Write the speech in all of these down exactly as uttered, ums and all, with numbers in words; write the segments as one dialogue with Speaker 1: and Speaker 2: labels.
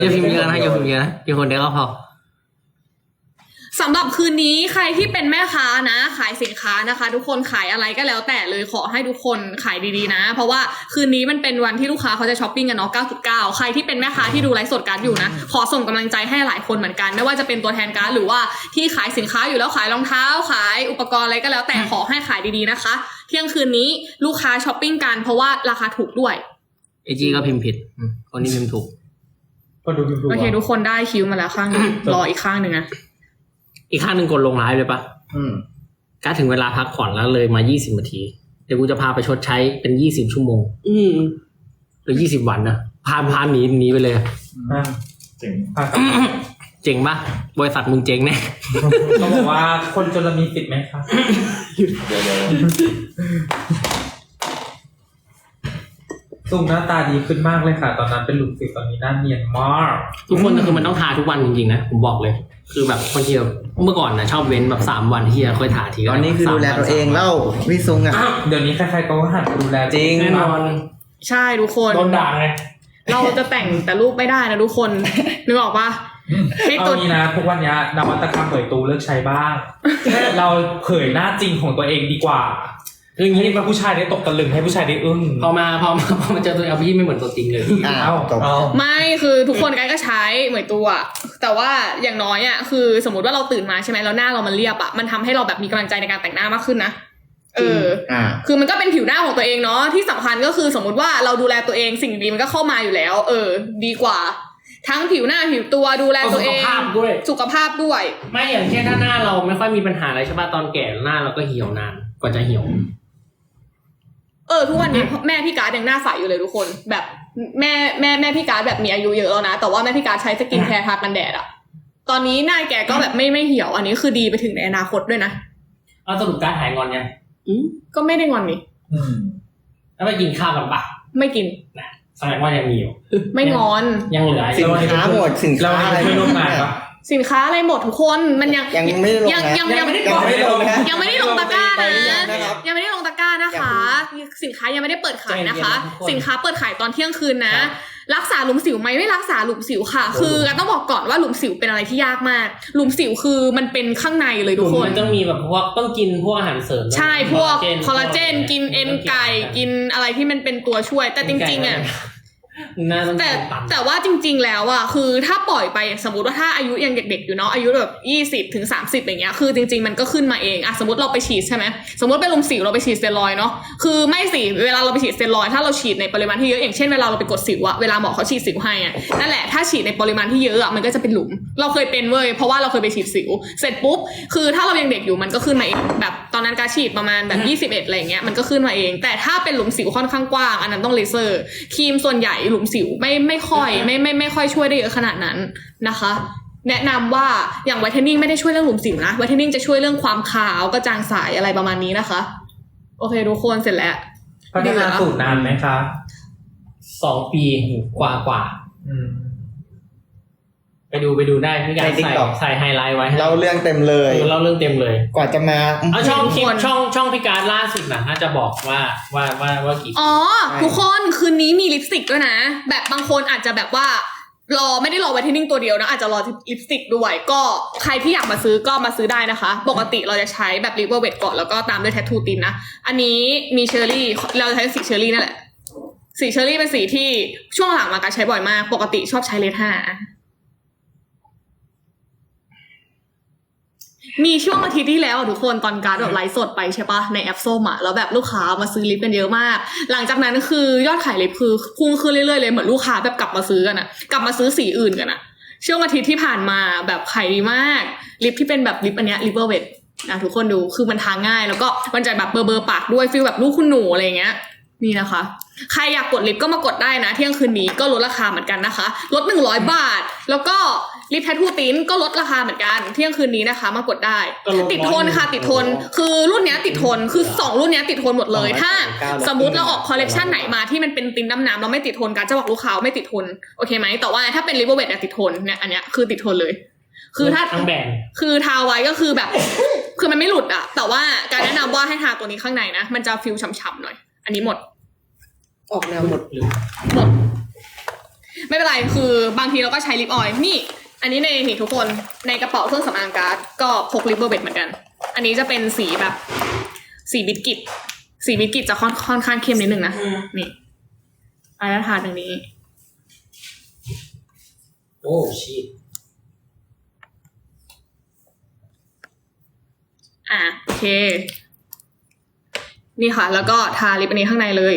Speaker 1: อย่าพิมพ์เยอะนะอย่าพิมพ์เยอะนะกี่คนเดียวก็พอ
Speaker 2: สำหรับคืนนี้ใครที่เป็นแม่ค้านะขายสินค้านะคะทุกคนขายอะไรก็แล้วแต่เลยขอให้ทุกคนขายดีๆนะเพราะว่าคืนนี้มันเป็นวันที่ลูกค้าเขาจะช้อปปิ้งกันเนาะ เก้าจุดเก้า ใครที่เป็นแม่ค้าที่ดูไลฟ์สดการ์ดอยู่นะขอส่งกำลังใจให้หลายคนเหมือนกันไม่ว่าจะเป็นตัวแทนการ์ดหรือว่าที่ขายสินค้าอยู่แล้วขายรองเท้าขายอุปกรณ์อะไรก็แล้วแต่ขอให้ขายดีๆนะคะเที่ยงคืนนี้ลูกค้าช้อปปิ้งกันเพราะว่าราคาถูกด้วย
Speaker 1: ไอจีก็พิมพ์ผิดคนนี้พิมพ์ถูก
Speaker 3: ก็ดูพิมพ์ถูก
Speaker 2: โอเคทุกคนได้คิวมาแล้วข้างนึงรออีกข้างนึงนะ
Speaker 1: อีกข้างหนึ่งกดลงไลฟ์เลยปะ
Speaker 3: อืม
Speaker 1: ก็ถึงเวลาพักผ่อนแล้วเลยมายี่สิบนาทีเดี๋ยวกูจะพาไปชดใช้เป็นยี่สิบชั่วโมงอืมหรือยี่สิบวันนะพาพาหนีหนีไปเลย
Speaker 3: อ่าเจ๋ง
Speaker 1: เจ๋งปะบริษัทมึงเจ๋งแน่
Speaker 3: เขาบอกว่าคนจนมีสิทธิ์ไหมครับหยุดเดี๋ยวซูมหน้าตาดีขึ้นมากเลยค่ะตอนนั้นเป็นหลุมสิวตอนนี้หน้าเนียนมาก
Speaker 1: ทุกคนก็คือมันต้องทาทุกวันจริงๆนะผมบอกเลยคือแบบคนที่เมื่อก่อนนะชอบเว้นแบบสามวันที่จะค่อยทาที
Speaker 4: ตอนนี้คือดูแลตัวเองเล่าวิซุงอ่ะ
Speaker 3: เดี๋ยวนี้ใครๆก็หันดูแล
Speaker 4: จริง
Speaker 1: แน่นอน
Speaker 2: ใช่ทุกคน
Speaker 3: โดนด่าไง
Speaker 2: เราจะแต่งแต่รูปไม่ได้นะทุกคนนึกออกปะ
Speaker 3: เอานี้นะทุกวันนี้นวัตกรรมเผยตูเลิกใช้บ้างเราเผยหน้าจริงของตัวเองดีกว่าคืออย่างนี้ให้ผู้ชายได้ตกตะลึงให้ผู้ชายได้อึ้ง
Speaker 1: พอมาพอมาพอมาเจอตัวเอาพี่ไม่เหมือนตัวจริงเลย
Speaker 4: อ้าว
Speaker 2: ไม่คือทุกคนก็ใช้เหมือนตัวแต่ว่าอย่างน้อยอ่ะคือสมมติว่าเราตื่นมาใช่ไหมแล้วหน้าเรามันเรียบอ่ะมันทำให้เราแบบมีกำลังใจในการแต่งหน้ามากขึ้นนะเออคือมันก็เป็นผิวหน้าของตัวเองเนาะที่สำคัญก็คือสมมติว่าเราดูแลตัวเองสิ่งดีมันก็เข้ามาอยู่แล้วเออดีกว่าทั้งผิวหน้าผิวตัวดูแลตัวเอง
Speaker 1: สุขภาพด้วย
Speaker 2: สุขภาพด้วย
Speaker 1: ไม่อย่างเช่นถ้าหน้าเราไม่ค่อยมีปัญหาอะไรใช่ป่ะตอนแก่หน้าเราก็เหี่ยวนานกว่าจะเหี่ยว
Speaker 2: เออทุกวันนี้แม่พี่การ์ดยังหน้าใสอยู่เลยทุกคนแบบแม่แม่แม่พี่การ์ดแบบมีอายุเยอะแล้วนะแต่ว่าแม่พี่การ์ดใช้สกินแคร์ทากันแดดอะตอนนี้หน้าแกก็แบบไม่ไม่เหี่ยวอันนี้คือดีไปถึงในอนาคตด้วยนะ
Speaker 1: เอาสรุปการ์ดหายงอนยัง
Speaker 2: อืมก็ไม่ได้งอนนี่
Speaker 3: อืม
Speaker 1: แล้วไปกินข้าวกันปะ
Speaker 2: ไม่กิน
Speaker 1: นะแสดงว่ายังมีอยู่
Speaker 2: ไม่งอน
Speaker 1: ยังเหลือ
Speaker 4: สินค้าหมดสินค้าอะไร
Speaker 3: ไม่ร่วมงานปะ
Speaker 2: สินค้าอะไรหมดทุกคนมันยัง
Speaker 4: ยังไม่ได้ลง
Speaker 2: ยังยังยังไม่ได้ลงยังไม่ได้ลงตะกร้านะยังไม่ได้ลงตะกร้านะคะสินค้ายังไม่ได้เปิดขายนะคะสินค้าเปิดขายตอนเที่ยงคืนนะรักษาหลุมสิวไหมไม่รักษาหลุมสิวค่ะคือต้องบอกก่อนว่าหลุมสิวเป็นอะไรที่ยากมากหลุมสิวคือมันเป็นข้างในเลยทุกคน
Speaker 1: มันต้องมีแบบพวกต้องกินพวกอาหารเสริม
Speaker 2: ใช่พวกคอลลาเจนกินเอ็นไก่กินอะไรที่มันเป็นตัวช่วยแต่จริงๆอ่ะแต่แต่ว่าจริงๆแล้วอ่ะคือถ้าปล่อยไปสมมติว่าถ้าอายุยังเด็กๆอยู่เนาะอายุแบบยี่สิบถึงสามสิบอย่างเงี้ยคือจริงๆมันก็ขึ้นมาเองอ่ะสมมติเราไปฉีดใช่ไหมสมมติเป็นลมสิวเราไปฉีดสเตียรอยด์เนาะคือไม่สิเวลาเราไปฉีดสเตียรอยด์ถ้าเราฉีดในปริมาณที่เยอะอย่างเช่นเวลาเราไปกดสิวอะเวลาหมอเขาฉีดสิวให้อะนั่นแหละถ้าฉีดในปริมาณที่เยอะอะมันก็จะเป็นหลุมเราเคยเป็นเว้ยเพราะว่าเราเคยไปฉีดสิวเสร็จปุ๊บคือถ้าเรายังเด็กอยู่มันก็ขึ้นมาเองแบบตอนนั้นการฉีดประมาณแบบยี่สิบเอ็ดอะไรอย่างเงี้ยมันก็ขึ้นมาเองแต่ถ้าเป็นหลุมสิวค่อนข้างกว้างอันนั้นต้องเลเซอร์ครีมส่วนใหญ่หลุมสิวไม่ไม่ค่อยไม่ไม่ไม่ค่อยช่วยได้เยอะขนาดนั้นนะคะแนะนำว่าอย่างไวท์เทนนิ่งไม่ได้ช่วยเรื่องหลุมสิวนะไวท์เทนนิ่งจะช่วยเรื่องความขาวกระจ่างใสอะไรประมาณนี้นะคะโอเคทุกคนเสร็จแล้ว
Speaker 3: พัฒนาสูตรนานไหมคะ
Speaker 1: สองปีกว่ากว่าไปดูไปดูได้พี่การใส่ใส่ไฮไลท์ไว้
Speaker 4: เล่าเรื่องเต็มเลย
Speaker 1: เล่าเรื่องเต็มเลย
Speaker 4: กว่าจะมา
Speaker 1: เอาช่องคลิปช่องช่องพี่การล่าสุดนะน่าจะบอกว่าว่าว่าว่ากี่
Speaker 2: อ๋อทุกคนคืนนี้มีลิปสติกด้วยนะแบบบางคนอาจจะแบบว่ารอไม่ได้รอไวท์เทนนิ่งตัวเดียวนะอาจจะรอลิปสติกด้วยก็ใครที่อยากมาซื้อก็มาซื้อได้นะคะปกติเราจะใช้แบบลิปเวอร์เวทก่อนแล้วก็ตามด้วยแทททูตินนะอันนี้มีเชอร์รี่เราใช้สีเชอร์รี่นั่นแหละสีเชอร์รี่เป็นสีที่ช่วงหลังมาการใช้บ่อยมากปกติชอบใช้เลทห้ามีช่วงอาทิตย์ที่แล้วทุกคนตอนการแบบไลฟ์สดไปใช่ปะในแอปส้มอ่ะแล้วแบบลูกค้ามาซื้อลิปกันเยอะมากหลังจากนั้นคือยอดขายลิปคือพุ่งขึ้นเรื่อยๆเลยเหมือนลูกค้าแบบกลับมาซื้อกันอ่ะกลับมาซื้อสีอื่นกันอ่ะช่วงอาทิตย์ที่ผ่านมาแบบขายดีมากลิปที่เป็นแบบลิปอันเนี้ยลิปเวอร์เวทนะทุกคนดูคือมันทาง่ายแล้วก็มันจะแบบเบอร์เบอร์ปากด้วยฟีลแบบลูกคุณหนูอะไรเงี้ยนี่นะคะใครอยากกดลิปก็มากดได้นะเที่ยงคืนนี้ก็ลดราคาเหมือนกันนะคะลดหนึ่งร้อยบาทแล้วก็ลิปแททูตินก็ลดราคาเหมือนกันเที่ยงคืนนี้นะคะมากดได้ติดทนค่ะติดทนคือรุ่นนี้ติดทนคือสองรุ่นนี้ติดทนหมดเลยถ้าสมมุติเราออกคอลเลคชันไหนมาที่มันเป็นตินน้ำน้ำเราไม่ติดทนกันจะบอกลูกค้าไม่ติดทนโอเคไหมแต่ว่าถ้าเป็นลิปเวอร์เวทเนี่ยติดทนเนี่ยอันเนี้ยคือติดทนเลยคือถ้า
Speaker 1: ทั้งแบรนด์
Speaker 2: คือทาไว้ก็คือแบบคือมันไม่หลุดอะแต่ว่าการแนะนำว่าให้ทาตัวนี้ข้างในนะมันจะฟิลฉ่ำๆหน่อยอันนี้หมด
Speaker 4: ออกแนวหมดหรือ
Speaker 2: หมดไม่เป็นไรคือบางทีเราก็ใช้ลิปออยล์นี่อันนี้ในนี่ทุกคนในกระเป๋าเครื่องสำอางการ์ดก็พกลิปเบอร์เบดเหมือนกันอันนี้จะเป็นสีแบบสีบิสกิตสีบิสกิตจะค่อนค่อนข้างเข้มนิดนึงนะนี่อายทาตรงนี้
Speaker 1: โอ้ชิต
Speaker 2: อ่ะโอเคนี่ค่ะแล้วก็ทาลิปอันนี้ข้างในเลย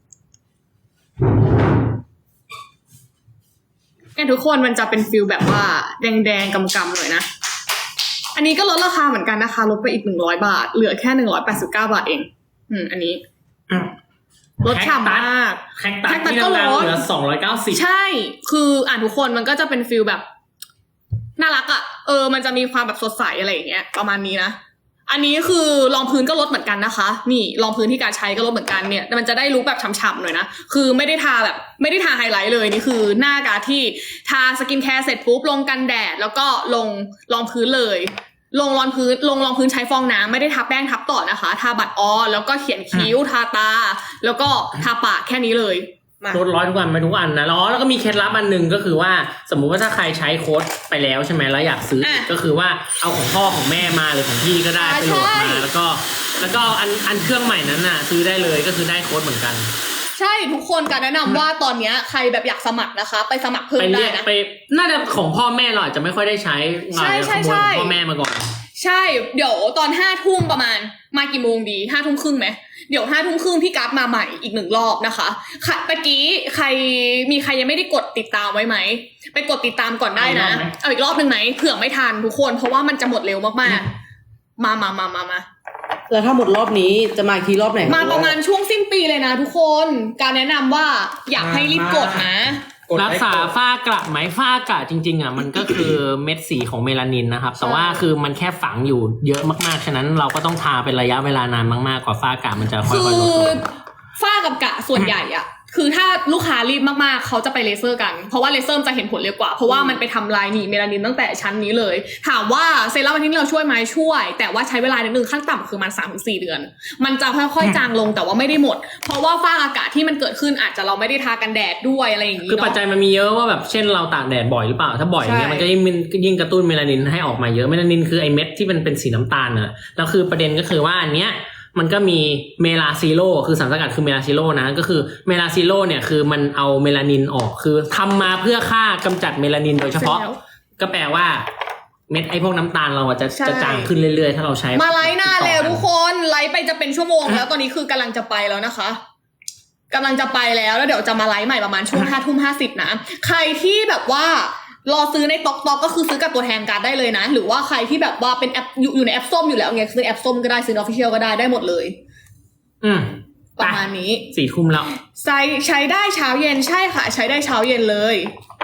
Speaker 2: เนี่ยทุกคนมันจะเป็นฟิลแบบว่าแดงๆกำๆหน่อยนะอันนี้ก็ลดราคาเหมือนกันนะคะลดไปอีกหนึ่งร้อยบาทเหลือแค่หนึ่งร้อยแปดสิบเก้าบาทเองอืมอันนี้ลดฉ่ำมาก
Speaker 1: แคคตัสที่ดังๆเหลือสองร้อยเก้าสิบ
Speaker 2: ใช่คืออ่านทุกคนมันก็จะเป็นฟิลแบบน่ารักอ่ะเออมันจะมีความแบบสดใสอะไรอย่างเงี้ยประมาณนี้นะอันนี้คือรองพื้นก็ลดเหมือนกันนะคะนี่รองพื้นที่การใช้ก็ลดเหมือนกันเนี่ยมันจะได้ลุคแบบฉ่ำๆหน่อยนะคือไม่ได้ทาแบบไม่ได้ทาไฮไลท์เลยนี่คือหน้ากาที่ทาสกินแคร์เสร็จปุ๊บลงกันแดดแล้วก็ลงรองพื้นเลยลงรองพื้นลงรองพื้นใช้ฟองน้ำไม่ได้ทาแป้งทับต่อนะคะทาบัตรออแล้วก็เขียนคิ้วทาตาแล้วก็ทาปากแค่นี้เลย
Speaker 1: ลดร้อยทุกวันไปทุกอันนะแล้วแล้วก็มีเคล็ดลับอันหนึ่งก็คือว่าสมมุติว่าถ้าใครใช้โค้ดไปแล้วใช่ไหมแล้วอยากซื้ออีกก็คือว่าเอาของพ่อของแม่มาหรือของพี่ก็ได้ไปโหลดมาแล้วก็แล้วก็อันอันเครื่องใหม่นั้นน่ะซื้อได้เลยก็คือได้โค้ดเหมือนกัน
Speaker 2: ใช่ทุกคนการแนะนำว่าตอนนี้ใครแบบอยากสมัครนะคะไปสมัครเพิ่มได้นะ
Speaker 1: ไปน่าจะของพ่อแม่เราอาจจะไม่ค่อยได้ใช้ใช่ใช่ใช่พ่อแม่มาก่อน
Speaker 2: ใช่เดี๋ยวตอนห้าทุ่มประมาณมากี่โมงดีห้าทุ่มครึ่งไหมเดี๋ยวห้าทุ่มครึ่งพี่กราฟมาใหม่อีกหนึ่งรอบนะคะค่ะเมื่อกี้ใครมีใครยังไม่ได้กดติดตามไว้ไหมไปกดติดตามก่อนได้นะเอาอีกรอบหนึ่งไหมเผื่อไม่ทันทุกคนเพราะว่ามันจะหมดเร็วมากๆมามามามามา
Speaker 5: แล้วถ้าหมดรอบนี้จะมาทีรอบไหน
Speaker 2: มาประมาณช่วงสิ้นปีเลยนะทุกคนการแนะนำว่าอยากให้รีบกดนะ
Speaker 1: รักษาฝ้ากระไหมฝ้ากระจริงๆอ่ะมันก็คือเม็ดสีของเมลานินนะครับแต่ว่าคือมันแค่ฝังอยู่เยอะมากๆฉะนั้นเราก็ต้องทาเป็นระยะเวลานานมากๆกว่าฝ้ากระมันจะค่อยๆลดลง
Speaker 2: ฝ้ากับกระส่วนใหญ่อ่ะคือถ้าลูกค้ารีบมากๆเขาจะไปเลเซอร์กันเพราะว่าเลเซอร์จะเห็นผลเร็วกว่าเพราะว่ามันไปทำลายหนีเมลานินตั้งแต่ชั้นนี้เลยถามว่าเซรั่มอันนี้เราช่วยไหมช่วยแต่ว่าใช้เวลานิดนึงขั้นต่ำคือมัน สามถึงสี่ เดือนมันจะค่อยๆจางลงแต่ว่าไม่ได้หมดเพราะว่าฝ้าอากาศที่มันเกิดขึ้นอาจจะเราไม่ได้ทากันแดดด้วยอะไรอย่างนี้
Speaker 1: คือปัจจัยมันมีเยอะว่าแบบเช่นเราตากแดดบ่อยหรือเปล่าถ้าบ่อยอย่างเงี้ยมันก็ยิ่งยิ่งกระตุ้นเมลานินให้ออกมาเยอะเมลานินคือไอเม็ดที่มันเป็นสีน้ำตาลน่ะแล้วคือประเด็นก็คือว่าอันเนี้ยมันก็มีเมลาซิโลคือสารสกัดคือเมลาซิโลนะก็คือเมลาซิโลเนี่ยคือมันเอาเมลานินออกคือทำมาเพื่อฆ่ากำจัดเมลานินโดยเฉพาะก็แปลว่าเม็ดไอพวกน้ำตาลเราจะจะจางขึ้นเรื่อยๆถ้าเราใช้
Speaker 2: มาไลฟ์นานแล้วทุกคนไลฟ์ไปจะเป็นชั่วโมงแล้วตอนนี้คือกำลังจะไปแล้วนะคะกำลังจะไปแล้วแล้วเดี๋ยวจะมาไลฟ์ใหม่ประมาณช่วงห้าทุ่มห้าสิบนะใครที่แบบว่ารอซื้อในต็อกต็อกก็คือซื้อกับตัวแทนการได้เลยนะหรือว่าใครที่แบบว่าเป็นแอปอยู่ในแอปส้มอยู่แล้วไงซื้อแอปส้มก็ได้ซื้อออฟฟิเชียลก็ได้ได้หมดเลย
Speaker 1: อืม
Speaker 2: ประมาณนี้
Speaker 1: สี่ทุ่มแล้ว
Speaker 2: ใช้ใช้ได้เช้าเย็นใช่ค่ะใช้ได้เช้าเย็นเลย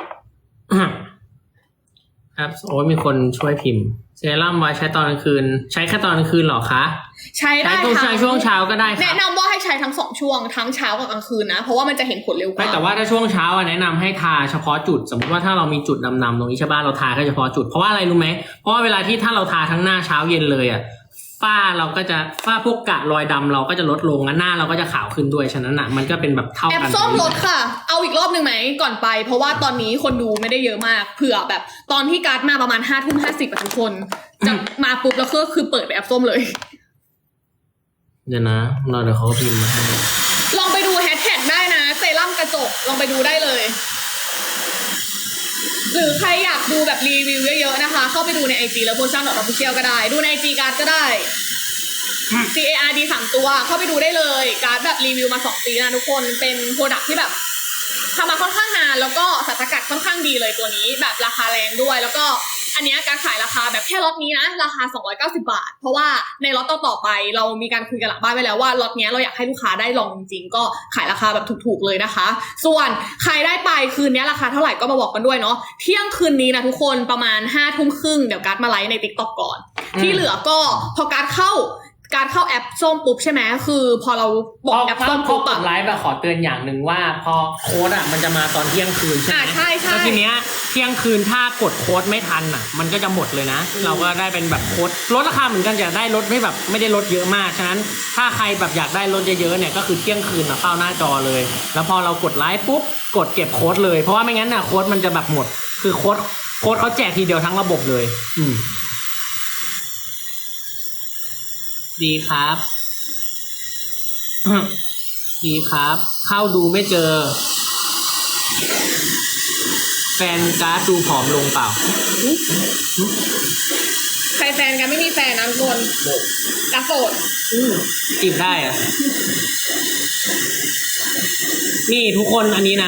Speaker 1: ครับโอ้มีคนช่วยพิมพ์เซรั่มไว้ใช้ตอนกลางคืนใช้แค่ตอนกลางคืนหรอคะ
Speaker 2: ใช้ได้
Speaker 1: ทั้งใช้ช่วงเช้าก็ได้
Speaker 2: แนะนำว่าให้ใช้ทั้งสองช่วงทั้งเช้ากับกลางคืนนะเพราะว่ามันจะเห็นผลเร็วกว่า
Speaker 1: แต่ว่าถ้าช่วงเช้าแนะนำให้ทาเฉพาะจุดสมมติว่าถ้าเรามีจุดดำๆตรงนี้ใช่ป่ะเราทาแค่เฉพาะจุดเพราะว่าอะไรรู้ไหมเพราะว่าเวลาที่ถ้าเราทาทั้งหน้าเช้าเย็นเลยอ่ะฝ้าเราก็จะฝ้าพวกกระรอยดำเราก็จะลดลงและหน้าเราก็จะขาวขึ้นด้วยฉะนั้นอ่ะมันก็เป็นแบบเท่ากัน
Speaker 2: แอปส้มลดค่ะเอาอีกรอบหนึ่งไหมก่อนไปเพราะว่าตอนนี้คนดูไม่ได้เยอะมากเผื่อแบบตอนที่การ์ดมาประมาณห้าทุ่มห้าสิบทุกคนจะมาปุ๊บแล้วก็คือเปิดแอปส้มเลย
Speaker 1: เดี๋ยวนะเราเดี๋ยวเขาพิมพ์มาให้
Speaker 2: ลองไปดูแฮชแท็กได้นะเซรั่มกระจกลองไปดูได้เลยหรือใครอยากดูแบบรีวิวเยอะๆนะคะเข้าไปดูใน ไอ จี แล้วโพชั่นดอทออฟฟิเชียลก็ได้ดูใน ไอ จี การ์ดก็ได้ ซี เอ อาร์ ดี สามตัวเข้าไปดูได้เลยการ์ดแบบรีวิวมาสองปีนะทุกคนเป็นโปรดักที่แบบทำมาค่อนข้างนานแล้วก็สารสกัดค่อนข้างดีเลยตัวนี้แบบราคาแรงด้วยแล้วก็อันนี้การขายราคาแบบแค่ล็อตนี้นะราคาสองร้อยเก้าสิบบาทเพราะว่าในล็อตต่อๆไปเรามีการคุยกันหลังบ้านไว้แล้วว่าล็อตนี้เราอยากให้ลูกค้าได้ลองจริงๆก็ขายราคาแบบถูกๆเลยนะคะส่วนใครได้ไปคืนนี้ราคาเท่าไหร่ก็มาบอกกันด้วยเนาะเที่ยงคืนนี้นะทุกคนประมาณห้าทุ่มครึ่งเดี๋ยวการ์ดมาไลฟ์ใน ติ๊กต็อก ก่อนที่เหลือก็พอการ์ดเข้าการเข้าแอปส้มปุ๊บใช่ไหมคือพอเราบอกแอป
Speaker 1: พอ
Speaker 2: ส้ม
Speaker 1: พอ
Speaker 2: ปุ๊บ
Speaker 1: ก
Speaker 2: อะ
Speaker 1: ดไลฟ์แบบขอเตือนอย่างหนึ่งว่าพอโค้ดอ่ะมันจะมาตอนเที่ยงคืนใช่ไหม
Speaker 2: อ่าใช่ใช่
Speaker 1: แล้วทีเนี้ยเที่ยงคืนถ้ากดโค้ดไม่ทันอ่ะ มันก็จะหมดเลยนะ เราก็ได้เป็นแบบโค้ดลดราคาเหมือนกันจะได้ลดไม่แบบไม่ได้ลดเยอะมากฉะนั้นถ้าใครแบบอยากได้ลดเยอะๆเนี่ยก็คือเที่ยงคืนอ่ะเข้าหน้าจอเลย แล้วพอเรากดไลฟ์ปุ๊บกดเก็บโค้ดเลยเพราะว่าไม่งั้นน่ะโค้ดมันจะแบบหมด คือโค้ดโค้ดเขาแจกทีเดียวทั้งระบบเลย อืมดีครับ ดีครับ เข้าดูไม่เจอ แฟนการ์ดดูผอมลงเปล่า
Speaker 2: ใครแฟนกันไม่มีแฟนนะทุกคนรักโสด
Speaker 1: จีบได้อะนี่ทุกคนอันนี้นะ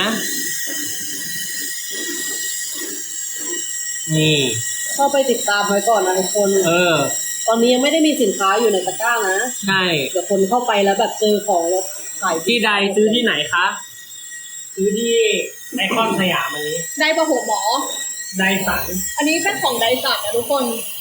Speaker 1: นี่
Speaker 5: เข้าไปติดตามไว้ก่อนนะทุกคน
Speaker 1: เออ
Speaker 5: ตอนนี้ยังไม่ได้มีสินค้าอยู่ในตะกร้านะ
Speaker 1: ใช่
Speaker 5: เดี๋ยวคนเข้าไปแล้วแบบเจอของแล้วขาย
Speaker 1: ที่ใดซื้อที่ไหนคะ ซื้อที่ไอคอนสยามอันนี้
Speaker 2: ได้ประหัวหมอ
Speaker 1: ไดสัน
Speaker 2: อันนี้เป็นของไดสันนะทุกคน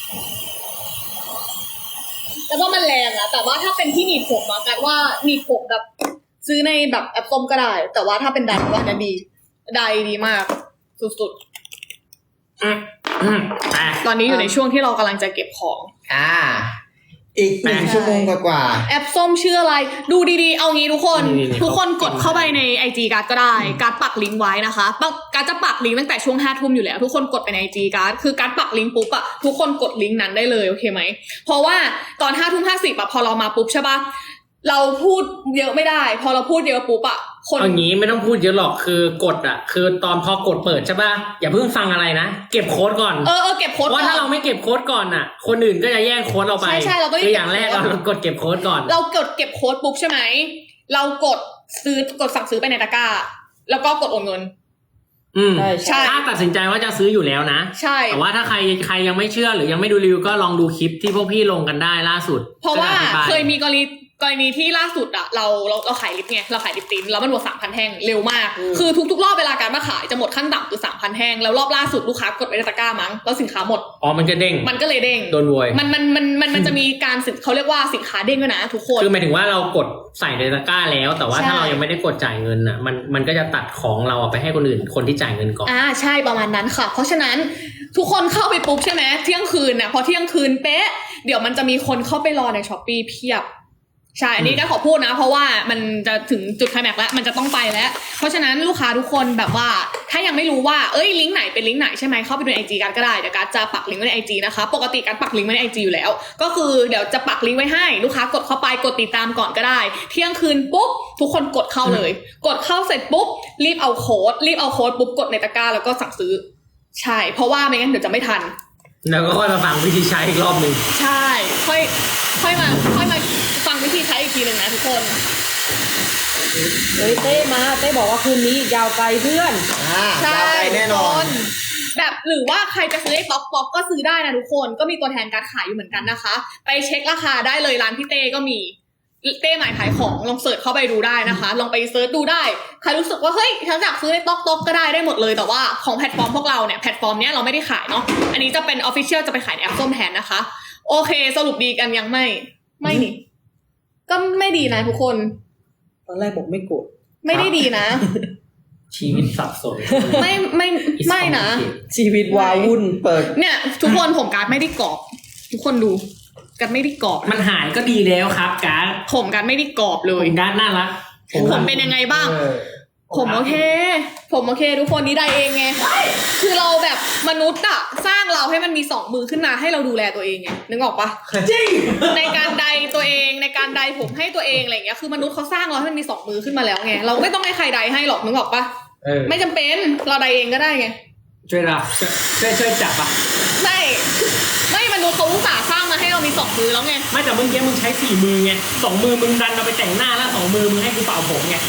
Speaker 2: แต่ว่ามันแรงอะแต่ว่าถ้าเป็นที่หนีบผมอะกันว่าหนีบผมแบบซื้อในแบบแอปส้มก็ได้ แต่ว่าถ้าเป็นไดว่าอันนั้นดีไดดีมาก สุด
Speaker 1: อืมอืมไป
Speaker 2: ๆ ตอนนี้อยู่ในช่วงที่เรากำลังจะเก็บของ
Speaker 4: อ่า อีกหนึ่งชั่วโมงกว่า
Speaker 2: แอปส้มชื่ออะไร ดูดีๆ เอางี้ทุกคน ทุกคนกดเข้าไปใน ไอ จี การ์ดก็ได้ การ์ดปักลิงก์ไว้นะคะปักการ์ดจะปักลิงก์ตั้งแต่ช่วงห้าทุ่มอยู่แล้ว ทุกคนกดไปใน ไอ จี การ์ดคือการ์ดปักลิงก์ปุ๊บอะทุกคนกดลิงก์นั้นได้เลยโอเคไหม เพราะว่าตอนห้าทุ่มห้าสิบอะพอเรามาปุ๊บใช่ปะเราพูดเยอะไม่ได้ พอเราพูดเยอะปุ๊บอะคน
Speaker 1: เอางี้ไม่ต้องพูดเยอะหรอกคือกดอ่ะ คือตอนพอกดเปิดใช่ป่ะอย่าเพิ่งฟังอะไรนะเก็บโค้ดก่อน
Speaker 2: เออเออเก็บโค้ด
Speaker 1: ว่า
Speaker 2: ก่อ
Speaker 1: ถ้าน เราไม่เก็บโค้ดก่อนอ่ะ คนอื่นก็จะแย่งโค้ดเราไป
Speaker 2: ใช่ใช่เราต้อง
Speaker 1: คืออย่างแรก
Speaker 2: เก็บโค้ด
Speaker 1: เรากดเก็บโค้ดก่อน
Speaker 2: เรากดเก็บโค้ดปุ๊บใช่ไหม เรากดซื้อกดสั่งซื้อไปในตะกร้า แล้วก็กดโอนเงิน
Speaker 1: อืม
Speaker 5: ใช่
Speaker 2: ใช่
Speaker 1: ถ้าตัดสินใจว่าจะซื้ออยู่แล้วนะ
Speaker 2: ใช่
Speaker 1: แต่ว่าถ้าใครใครยังไม่เชื่อหรือยังไม่ดูรีวิวก็ลองดูคลิปที่พวกพี่ลงกันได้ล่าสุด
Speaker 2: เพราะว่า
Speaker 1: ก็อธิบ
Speaker 2: เคยมีกรณีกรณีที่ล่าสุดอะเราเราเราขายลิปไงเราขายลิปติ้นแล้วมันหมดสามพันแท่งเร็วมาก คือทุกๆรอบเวลาการมาขายจะหมดขั้นต่ำคือสามพันแท่งแล้วรอบล่าสุดลูกค้ากดไปในตะกร้ามั้งแล้วสินค้าหมด
Speaker 1: อ๋อมันจะเด้ง
Speaker 2: มันก็เลยเด้ง
Speaker 1: โดนโวย
Speaker 2: มันมันมันมันมันจะมีการสินเขาเรียกว่าสินค้าเด้งด้วยนะทุกคน
Speaker 1: คือหมายถึงว่าเรากดใส่ในตะกร้าแล้ว แต่ว่า
Speaker 2: ใช่
Speaker 1: ถ้าเรายังไม่ได้กดจ่ายเงินอ่ะมันมันก็จะตัดของเราไปให้คนอื่นคนที่จ่ายเงินก่อน
Speaker 2: อ่าใช่ประมาณนั้นค่ะ เพราะฉะนั้นทุกคนเข้าไปปุ๊บใช่ไหมเที่ยงคืนน่ะพอเที่ยงคืนเป๊ะเดี๋ยวมันจะมีคนเข้าไปรอในช้อปปี้เพียบใช่อันนี้ก็ขอพูดนะ เพราะว่ามันจะถึงจุดไคลแม็กซ์แล้วมันจะต้องไปแล้ว เพราะฉะนั้นลูกค้าทุกคนแบบว่าถ้ายังไม่รู้ว่าเอ้ยลิงก์ไหนเป็นลิงก์ไหนใช่ไหมเข้าไปดูในไอจีกันก็ได้เดี๋ยวการจะปักลิงก์ไว้ในไอจีนะคะปกติการปักลิงก์ไว้ในไอจีอยู่แล้ว ก็คือเดี๋ยวจะปักลิงก์ไว้ให้ลูกค้ากดเข้าไปกดติดตามก่อนก็ได้ เที่ยงคืนปุ๊บทุกคนกดเข้าเลย กดเข้าเสร็จปุ๊บรีบเอาโค้ดรีบเอาโค้ดปุ๊บกดในตะกร้าแล้วก็สั่งซื้อใช่เพราะว่าไม่งั้นเดี๋ยวจะไม่ทัน
Speaker 1: แล้วก็ค่อยมาฟังวิธีใช้อีกรอบหนึ่ง
Speaker 2: ใช่ ค่อย ค่อยมา ค่อยมาฟังวิธีใช้อีกทีหนึ่งนะทุกคน
Speaker 5: เฮ้ยเต้มาเต้บอกว่าคืนนี้ยาวไกลเพื่อน
Speaker 4: ๆอ่า
Speaker 2: ใช่
Speaker 4: ยาวไปแน่นอน
Speaker 2: ทุกคแบบหรือว่าใครจะซื้อไอ้ป๊อกป๊อกก็ซื้อได้นะทุกคน ก็มีตัวแทนการขายอยู่เหมือนกันนะคะ ไปเช็คราคาได้เลยร้านพี่เต้ก็มี เต้หมายขายของลองเสิร์ชเข้าไปดูได้นะคะ ลองไปเสิร์ชดูได้ ใครรู้สึกว่าเฮ้ยฉันอยากซื้อในต๊อกต๊อกก็ได้ได้หมดเลย แต่ว่าของแพลตฟอร์มพวกเราเนี่ยแพลตฟอร์มเนี้ยเราไม่ได้ขายเนาะ อันนี้จะเป็นออฟฟิเชียลจะไปขายในแอปส้มแทนนะคะ โอเค สรุปดีกันยังไม่ ไม่นี่ ก็ไม่ดีนะทุกคน
Speaker 5: ตอนแรกบอกไม่โกรธ
Speaker 2: ไม่ได้ดีนะ
Speaker 1: ชีวิตสับสน
Speaker 2: ไม่ไม่ไม่นะ
Speaker 5: ชีวิตวาวุ่น
Speaker 4: เปิด
Speaker 2: เนี่ยทุกคนผมการดไม่ได้กรอบทุกคนดูการดไม่ได้กรอบ
Speaker 1: มันหายก็ดีแล้วครับการ์ด
Speaker 2: ผมการดไม่ได้กรอบเล
Speaker 1: ผ
Speaker 2: ย
Speaker 1: มการ์ดน่ารัก
Speaker 2: ผมเป็นยังไงบ้าง
Speaker 4: เออ
Speaker 2: ผมโอเค ผมโอเค ทุกคนนี้ได้เองไงคือเราแบบมนุษย์อะสร้างเราให้มันมีสองมือขึ้นมาให้เราดูแลตัวเองไงนึกออกปะ
Speaker 1: จริง
Speaker 2: ในการใดตัวเองในการใดผมให้ตัวเองอะไรอย่างเงี้ยคือมนุษย์เขาสร้างเราให้มันมีสองมือขึ้นมาแล้วไงเราไม่ต้องให้ใครใดให้หรอกนึกออกปะ
Speaker 3: เออ
Speaker 2: ไม่จำเป็นเราใดเองก็ได้ไง
Speaker 1: ช่วยเราช่วยช่วยจับอ่ะ
Speaker 2: ไม่ไม่มนุษย์เขาอุตส่าห์สร้างมาให้เรามีสองมือแล้วไง
Speaker 1: ไม่แต่เมื่อกี้มึงใช้สี่มือไงสองมือมึงดันเอาไปแต่งหน้าแล้วสองมือมึงให้กูเป่าผมไง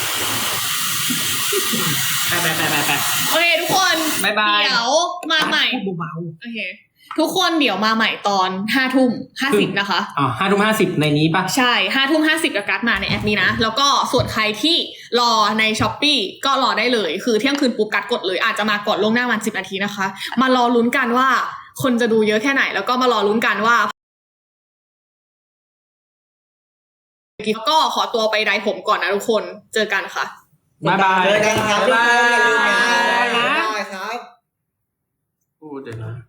Speaker 1: ไปไปไปไปไป
Speaker 2: โอเคทุกคน
Speaker 1: บ๊ายบาย
Speaker 2: เดี๋ยวมาใหม่
Speaker 1: พูดเบา
Speaker 2: โอเคทุกคนเดี๋ยวมาใหม่ตอนห้าทุ่มห้าสิบนะคะ
Speaker 1: ๆอ๋อห้าทุ่มห้าสิบในนี้ปะ
Speaker 2: ใช่ห้าทุ่มห้าสิบกับการ์ดมาในแอปนี้นะ แล้วก็ส่วนใครที่รอในช้อปปีก็รอได้เลย คือเที่ยงคืนปุ๊บการ์ดกดเลย อาจจะมาก่อนล่วงหน้าวันสิบนาทีนะคะ มารอลุ้นกันว่าคนจะดูเยอะแค่ไหน แล้วก็มารอลุ้นกันว่าแล้วก็ขอตัวไปไดร์ผมก่อนนะทุกคนเจอกันค่ะ
Speaker 1: บ๊ายบาย
Speaker 4: เจอกันครับทุกคนอย่าลืมนะ
Speaker 1: บ๊ายบาย
Speaker 4: บ๊ายบายครับ
Speaker 1: พูดเดี๋ยวนะ